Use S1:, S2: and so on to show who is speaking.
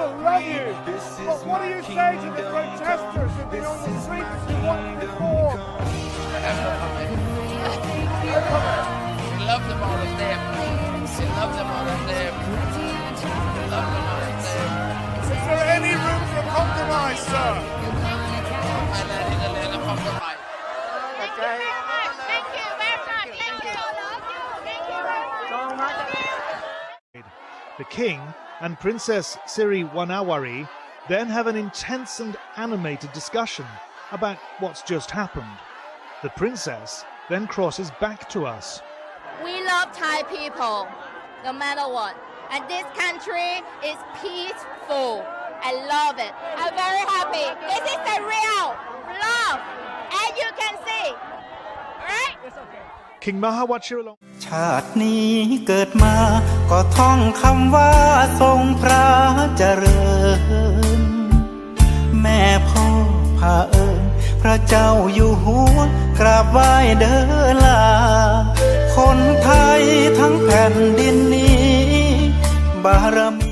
S1: people love you. But what do you say to the protesters who've been on the streets who want reform?
S2: I have no comment. We love them all of them. We love them all of them. We love them all of them.
S1: Is there any room for compromise, sir?
S2: Thailand is a land of compromise.
S1: Okay.
S3: Thank you very much. Thank you. Thank you very much.
S4: The king and Princess Siri Wanawari then have an intense and animated discussion about what's just happened. The princess then crosses back to us.
S3: We love Thai people, no matter what. And this country is peaceful. I love it. I'm very happy. This is the real love. And you can see. Right?
S4: King Maha Vajiralongkorn
S5: ชาตินี้เกิดมาก็ท่องคำว่าทรงพระเจริญแม่พ่อพาเอิญพระเจ้าอยู่หัวกราบไหว้เดินลาคนไทยทั้งแผ่นดินนี้บารมี